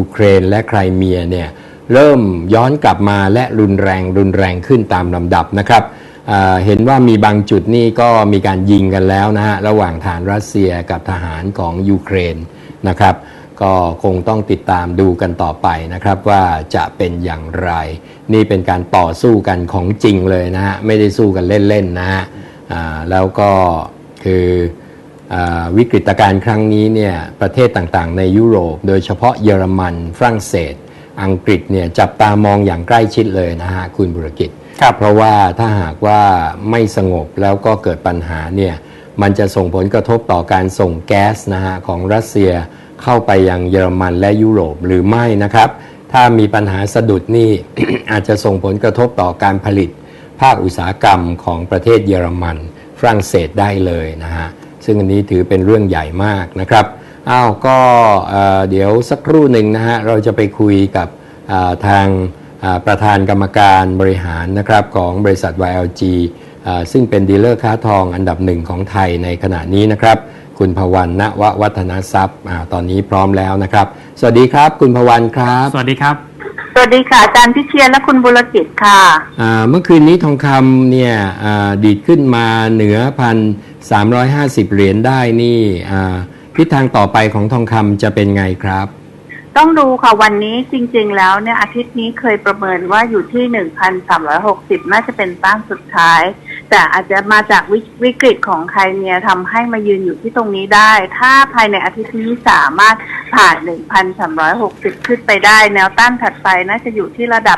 ยูเครนและไครเมียเนี่ยเริ่มย้อนกลับมาและรุนแรงขึ้นตามลำดับนะครับเห็นว่ามีบางจุดนี่ก็มีการยิงกันแล้วนะฮะระหว่างฐานรัสเซียกับทหารของยูเครนนะครับก็คงต้องติดตามดูกันต่อไปนะครับว่าจะเป็นอย่างไรนี่เป็นการต่อสู้กันของจริงเลยนะฮะไม่ได้สู้กันเล่นๆนะฮะแล้วก็คือวิกฤตการณ์ครั้งนี้เนี่ยประเทศต่างๆในยุโรปโดยเฉพาะเยอรมันฝรั่งเศสอังกฤษเนี่ยจับตามองอย่างใกล้ชิดเลยนะฮะคุณบุรกิจเพราะว่าถ้าหากว่าไม่สงบแล้วก็เกิดปัญหาเนี่ยมันจะส่งผลกระทบต่อการส่งแก๊สนะฮะของรัสเซียเข้าไปยังเยอรมันและยุโรปหรือไม่นะครับถ้ามีปัญหาสะดุดนี่ อาจจะส่งผลกระทบต่อการผลิตภาคอุตสาหกรรมของประเทศเยอรมันฝรั่งเศสได้เลยนะฮะซึ่งอันนี้ถือเป็นเรื่องใหญ่มากนะครับก็เดี๋ยวสักครู่หนึ่งนะฮะเราจะไปคุยกับทางประธานกรรมการบริหารนะครับของบริษัท YLG ซึ่งเป็นดีลเลอร์ค้าทองอันดับหนึ่งของไทยในขณะนี้นะครับคุณพวัน ณววัฒนทรัพย์ตอนนี้พร้อมแล้วนะครับสวัสดีครับคุณพวันครับสวัสดีครับสวัสดีค่ะอาจารย์พิเชียรและคุณบุรกิจค่ะเมื่อคืนนี้ทองคำเนี่ยดีดขึ้นมาเหนือ1,350 เหรียญได้นี่ทิศทางต่อไปของทองคำจะเป็นไงครับต้องดูค่ะวันนี้จริงๆแล้วเนี่ยอาทิตย์นี้เคยประเมินว่าอยู่ที่ 1,360 น่าจะเป็นต้านสุดท้ายแต่อาจจะมาจากวิกฤตของไครเมียทำให้มายืนอยู่ที่ตรงนี้ได้ถ้าภายในอาทิตย์นี้สามารถผ่าน 1,360 ขึ้นไปได้แนวต้านถัดไปน่าจะอยู่ที่ระดับ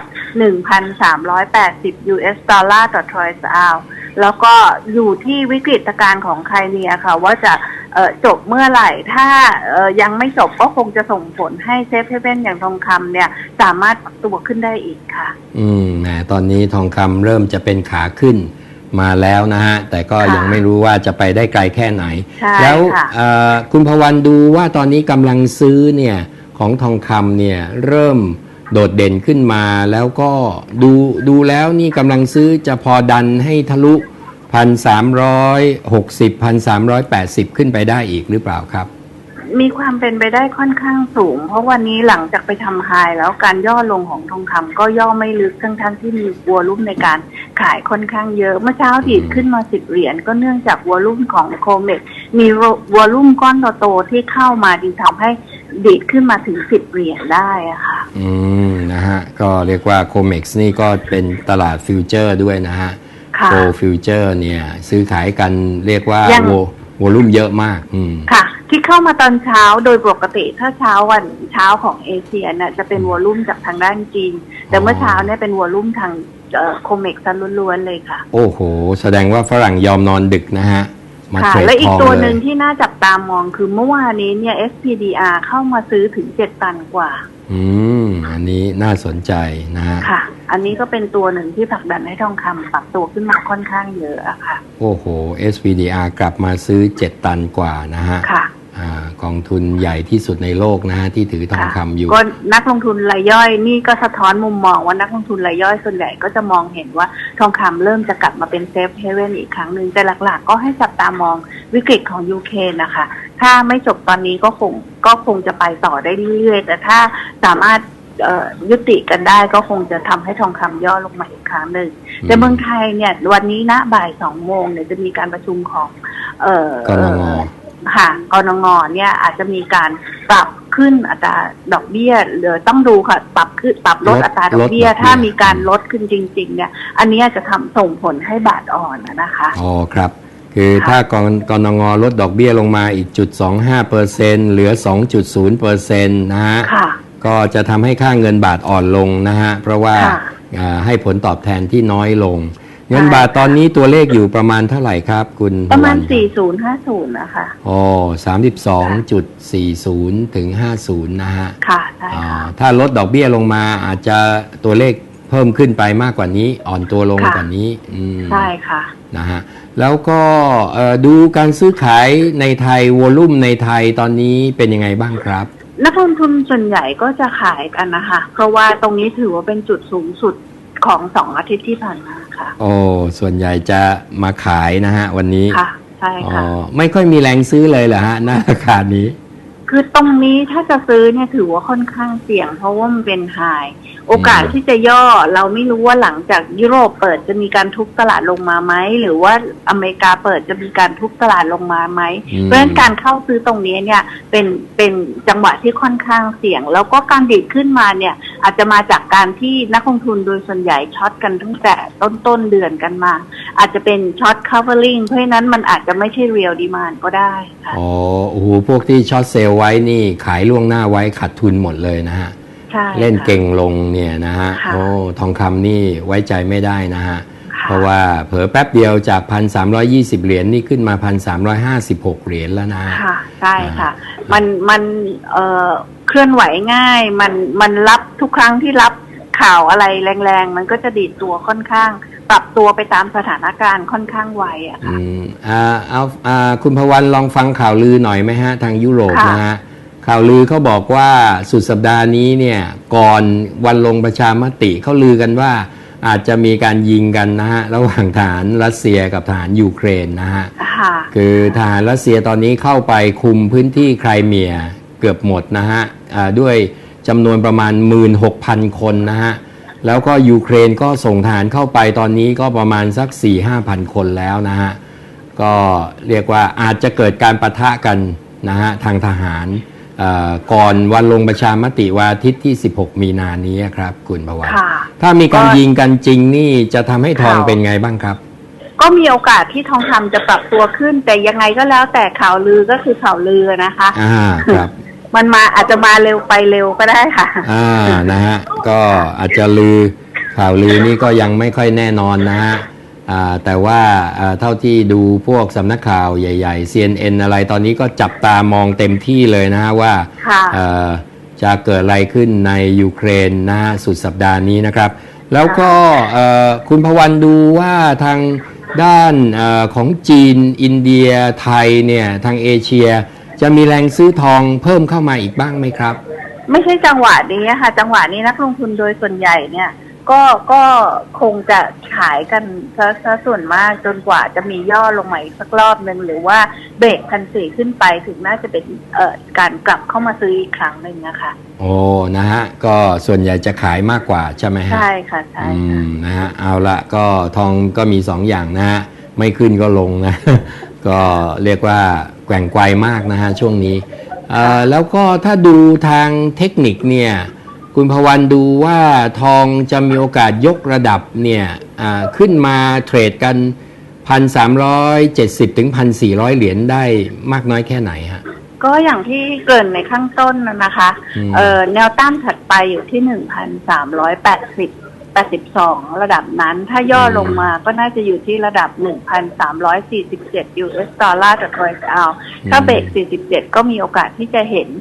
1,380 US ดอลลาร์ต่อทรอยส์ออนซ์แล้วก็อยู่ที่วิกฤตการณ์ของไครเมียค่ะว่าจะจบเมื่อไหร่ถ้ายังไม่จบก็คงจะส่งผลให้เซฟเฮเว่นอย่างทองคำเนี่ยสามารถตัวขึ้นได้อีกค่ะตอนนี้ทองคำเริ่มจะเป็นขาขึ้นมาแล้วนะฮะแต่ก็ยังไม่รู้ว่าจะไปได้ไกลแค่ไหนแล้วคุณพวันดูว่าตอนนี้กำลังซื้อเนี่ยของทองคำเนี่ยเริ่มโดดเด่นขึ้นมาแล้วก็ดูแล้วนี่กำลังซื้อจะพอดันให้ทะลุ1,360 1,380 ขึ้นไปได้อีกหรือเปล่าครับมีความเป็นไปได้ค่อนข้างสูงเพราะวันนี้หลังจากไปทำไฮแล้วการย่อลงของทองคำก็ย่อไม่ลึกทั้งที่มีวอลุ่มในการขายค่อนข้างเยอะเมื่อเช้าดีดขึ้นมา10 เหรียญก็เนื่องจากวอลุ่มของโคเมกมีวอลุ่มก้อนโตๆที่เข้ามาจึงทำให้ดีดขึ้นมาถึง10 เหรียญได้อะค่ะนะฮะก็เรียกว่าโคเมกนี่ก็เป็นตลาดฟิวเจอร์ด้วยนะฮะโกลด์ฟิวเจอร์เนี่ยซื้อขายกันเรียกว่าวอลุ่มเยอะมากค่ะที่เข้ามาตอนเช้าโดยปกติถ้าเช้าของเอเชียเนี่ยจะเป็นวอลุ่มจากทางด้านจีนแต่เมื่อเช้าเนี่ยเป็นวอลุ่มทางโคเมกซ์ล้วนๆเลยค่ะโอ้โหแสดงว่าฝรั่งยอมนอนดึกนะฮะมาเทรดทองเลยและอีกตัวหนึ่งที่น่าจับตามองคือเมื่อวานนี้เนี่ย SPDR เข้ามาซื้อถึง7 ตันกว่าอันนี้น่าสนใจนะฮะค่ะอันนี้ก็เป็นตัวหนึ่งที่ผลักดันให้ทองคำปรับตัวขึ้นมาค่อนข้างเยอะอะค่ะโอ้โห SPDR กลับมาซื้อ7 ตันกว่านะฮะค่ะกองทุนใหญ่ที่สุดในโลกนะฮะที่ถือทองคำอยู่ก็นักลงทุนรายย่อยนี่ก็สะท้อนมุมมองว่านักลงทุนรายย่อยส่วนใหญ่ก็จะมองเห็นว่าทองคำเริ่มจะกลับมาเป็นเซฟเฮเว่นอีกครั้งหนึ่งแต่หลักๆก็ให้จับตามองวิกฤตของยูเครนนะคะถ้าไม่จบตอนนี้ก็คงจะไปต่อได้เรื่อยๆแต่ถ้าสามารถยุติกันได้ก็คงจะทำให้ทองคำย่อลงมาอีกครั้งหนึ่งแต่เมืองไทยเนี่ยวันนี้นะบ่าย2 โมงเนี่ยจะมีการประชุมของกนง. ค่ะกนง.เนี่ยอาจจะมีการปรับขึ้นอัตราดอกเบี้ยหรือต้องดูค่ะปรับลดอัตราดอกเบี้ยถ้ามีการลดขึ้นจริงๆเนี่ยอันนี้จะทำส่งผลให้บาทอ่อนนะคะอ๋อครับคือถ้ากนง.ลดดอกเบี้ยลงมาอีก0.25%เหลือ 2.0% นะฮะก็จะทำให้ค่าเงินบาทอ่อนลงนะฮะเพราะว่าให้ผลตอบแทนที่น้อยลงเงินบาทตอนนี้ตัวเลขอยู่ประมาณเท่าไหร่ครับคุณประมาณ4050นะคะอ๋อ 32.40 ถึง 50นะฮะค่ะใช่ค่ะถ้าลดดอกเบี้ยลงมาอาจจะตัวเลขเพิ่มขึ้นไปมากกว่านี้อ่อนตัวลงกว่านี้ใช่ค่ะนะฮะแล้วก็ดูการซื้อขายในไทยวอลุ่มในไทยตอนนี้เป็นยังไงบ้างครับนักลงทุนส่วนใหญ่ก็จะขายกันนะคะเพราะว่าตรงนี้ถือว่าเป็นจุดสูงสุดของ2 อาทิตย์ที่ผ่านมาค่ะโอ้ส่วนใหญ่จะมาขายนะฮะวันนี้ค่ะใช่ค่ะไม่ค่อยมีแรงซื้อเลยเหรอฮะณราคานี้คือตรงนี้ถ้าจะซื้อเนี่ยถือว่าค่อนข้างเสี่ยงเพราะว่ามันเป็นไฮโอกาสที่จะย่อเราไม่รู้ว่าหลังจากยุโรปเปิดจะมีการทุบตลาดลงมาไหมหรือว่าอเมริกาเปิดจะมีการทุบตลาดลงมาไหมเพราะฉะนั้นการเข้าซื้อตรงนี้เนี่ยเป็นจังหวะที่ค่อนข้างเสี่ยงแล้วก็การดีดขึ้นมาเนี่ยอาจจะมาจากการที่นักลงทุนโดยส่วนใหญ่ช็อตกันตั้งแต่ต้นเดือนกันมาอาจจะเป็นช็อต covering เพราะฉะนั้นมันอาจจะไม่ใช่ real demand ก็ได้ค่ะอ๋อโอ้โหพวกที่ช็อตเซลล์ไว้นี่ขายล่วงหน้าไว้ขาดทุนหมดเลยนะฮะเล่นเก่งลงเนี่ยนะฮะโอ้ทองคำนี่ไว้ใจไม่ได้นะฮะเพราะว่าเผลอแป๊บเดียวจาก 1,320 เหรียญนี่ขึ้นมา 1,356 เหรียญแล้วนะค่ะใช่ค่ะมันเคลื่อนไหวง่ายมันรับทุกครั้งที่รับข่าวอะไรแรงๆมันก็จะดีดตัวค่อนข้างปรับตัวไปตามสถานการณ์ค่อนข้างไวอะค่ะคุณพวันลองฟังข่าวลือหน่อยไหมฮะทางยุโรปนะฮะข่าวลือเขาบอกว่าสุดสัปดาห์นี้เนี่ยก่อนวันลงประชามติเขาลือกันว่าอาจจะมีการยิงกันนะฮะระหว่างทหารรัสเซียกับทหารยูเครนนะฮะคือทหารรัสเซียตอนนี้เข้าไปคุมพื้นที่ไครเมียเกือบหมดนะฮะด้วยจำนวนประมาณ 16,000 คนนะฮะแล้วก็ยูเครนก็ส่งทหารเข้าไปตอนนี้ก็ประมาณสัก 4-5,000 คนแล้วนะฮะก็เรียกว่าอาจจะเกิดการปะทะกันนะฮะทางทหารก่อนวันลงประชามติวันอาทิตย์ที่16มีนานี้ครับคุณพวันถ้ามีการยิงกันจริงนี่จะทำให้ทองเป็นไงบ้างครับก็มีโอกาสที่ทองคำจะปรับตัวขึ้นแต่ยังไงก็แล้วแต่ข่าวลือก็คือข่าวลือนะคะครับมันมาอาจจะมาเร็วไปเร็วก็ได้ค่ะนะฮะก็อาจจะข่าวลือนี่ก็ยังไม่ค่อยแน่นอนนะฮะแต่ว่าเท่าที่ดูพวกสำนักข่าวใหญ่ๆ CNN อะไรตอนนี้ก็จับตามองเต็มที่เลยนะฮะว่าจะเกิดอะไรขึ้นในยูเครนนะฮะสุดสัปดาห์นี้นะครับแล้วก็คุณพวันดูว่าทางด้านของจีนอินเดียไทยเนี่ยทางเอเชียจะมีแรงซื้อทองเพิ่มเข้ามาอีกบ้างไหมครับไม่ใช่จังหวะนี้ค่ะจังหวะนี้นักลงทุนโดยส่วนใหญ่เนี่ยก็คงจะขายกันซะส่วนมากจนกว่าจะมีย่อลงมาอีกสักรอบนึงหรือว่าเบรก1,400ขึ้นไปถึงน่าจะเป็นการกลับเข้ามาซื้ออีกครั้งหนึ่งนะคะโอ้นะฮะก็ส่วนใหญ่จะขายมากกว่าใช่ไหมฮะใช่ค่ะใช่นะฮะเอาละก็ทองก็มี2 อย่างนะฮะไม่ขึ้นก็ลงนะ ก็เรียกว่าแกว่งไกวมากนะฮะช่วงนี้แล้วก็ถ้าดูทางเทคนิคเนี่ยคุณพวันดูว่าทองจะมีโอกาสยกระดับเนี่ยขึ้นมาเทรดกัน 1,370 ถึง 1,400 เหรียญได้มากน้อยแค่ไหนฮะก็อย่างที่เกริ่นในข้างต้นนะคะแนวต้านถัดไปอยู่ที่ 1,382 ระดับนั้นถ้าย่อลงมาก็น่าจะอยู่ที่ระดับ 1,347 US ดอลลาร์ต่อทรอยส์เอาถ้าเบรก47ก็มีโอกาสที่จะเห็น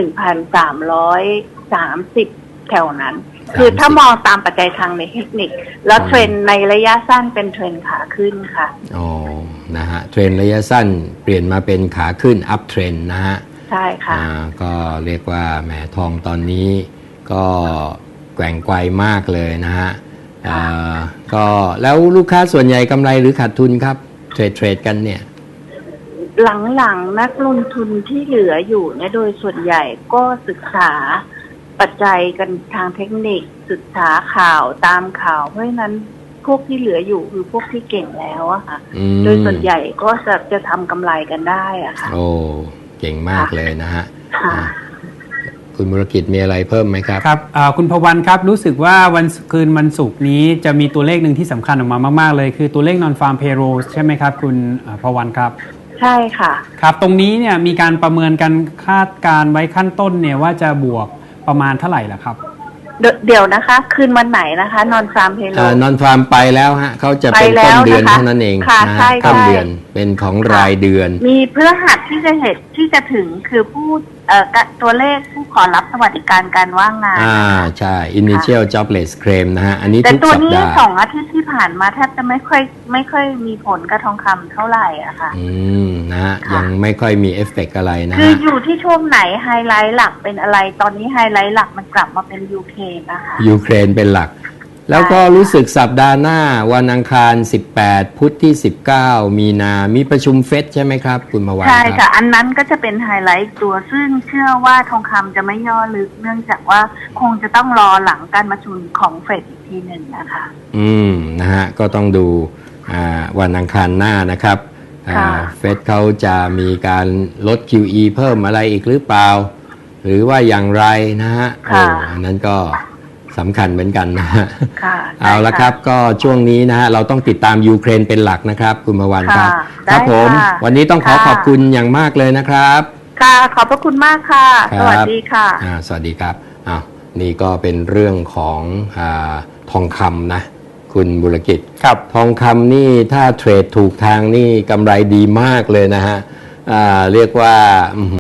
1,330 แถวนั้นคือถ้ามองตามปัจจัยทางในเทคนิคแล้วเทรนในระยะสั้นเป็นเทรนขาขึ้นค่ะอ๋อนะฮะเทรนระยะสั้นเปลี่ยนมาเป็นขาขึ้นอัพเทรนนะฮะใช่ค่ะก็เรียกว่าแหมทองตอนนี้ก็แกว่งไกวมากเลยนะฮะก็แล้วลูกค้าส่วนใหญ่กำไรหรือขาดทุนครับเทรดกันเนี่ยหลังๆนักลงทุนที่เหลืออยู่เนี่ยโดยส่วนใหญ่ก็ศึกษาปัจจัยกันทางเทคนิคศึกษาข่าวตามข่าวเพราะฉะนั้นพวกที่เหลืออยู่คือพวกที่เก่งแล้วอะค่ะโดยส่วนใหญ่ก็จะทำกำไรกันได้อะค่ะโอ้เก่งมากเลยนะฮะคุณบุรกิจมีอะไรเพิ่มไหมครับครับคุณพวันครับรู้สึกว่าวันศุกร์นี้จะมีตัวเลขหนึ่งที่สำคัญออกมามากๆเลยคือตัวเลข non farm payroll ใช่ไหมครับคุณพวันครับใช่ค่ะครับตรงนี้เนี่ยมีการประเมินกันคาดการไว้ขั้นต้นเนี่ยว่าจะบวกประมาณเท่าไหร่ล่ะครับเดี๋ยวนะคะคืนวันไหนนะคะนอนฟาร์มเพโลนอนฟาร์มไปแล้วฮะเขาจะเป็นต้นเดือนเท่านั้นเองนะต้นเดือนเป็นของรายเดือนมีเพื่อหัดที่จะเห็นที่จะถึงคือผู้ตัวเลขผู้ขอรับสวัสดิการการว่างงานใช่ initial jobless claim นะฮะอันนี้ทุกสัปดาห์แต่ตัวนี้2 อาทิตย์ที่ผ่านมาแทบจะไม่ค่อยมีผลกับทองคำเท่าไหร่อะค่ะนะฮะยังไม่ค่อยมีเอฟเฟกต์อะไรนะคืออยู่ที่ช่วงไหนไฮไลท์หลักเป็นอะไรตอนนี้ไฮไลท์หลักมันกลับมาเป็นยูเครนนะคะยูเครนเป็นหลักแล้วก็รู้สึกสัปดาห์หน้าวันอังคาร 18 พุธที่ 19 มีนามีประชุมเฟดใช่ไหมครับคุณพวันใช่ครัค่ะบอันนั้นก็จะเป็นไฮไลท์ตัวซึ่งเชื่อว่าทองคำจะไม่ย่อลึกเนื่องจากว่าคงจะต้องรอหลังการประชุมของเฟดอีกทีหนึ่งนะคะนะฮะก็ต้องดูวันอังคารหน้านะครับค่ะเฟดเขาจะมีการลด QE เพิ่มอะไรอีกหรือเปล่า หรือว่าอย่างไรนะฮะอันนั้นก็สำคัญเหมือนกันนะฮะค่ะเอาละครับก็ช่วงนี้นะฮะเราต้องติดตามยูเครนเป็นหลักนะครับคุณพวันครับค่ะครับได้ผมค่ะวันนี้ต้องขอค่ะขอบคุณอย่างมากเลยนะครับค่ะ ขอบพระคุณมากค่ะครับสวัสดีค่ะสวัสดีครับอ้าวนี่ก็เป็นเรื่องของทองคำนะคุณบุรกิจครับทองคำนี่ถ้าเทรดถูกทางนี่กำไรดีมากเลยนะฮะเรียกว่า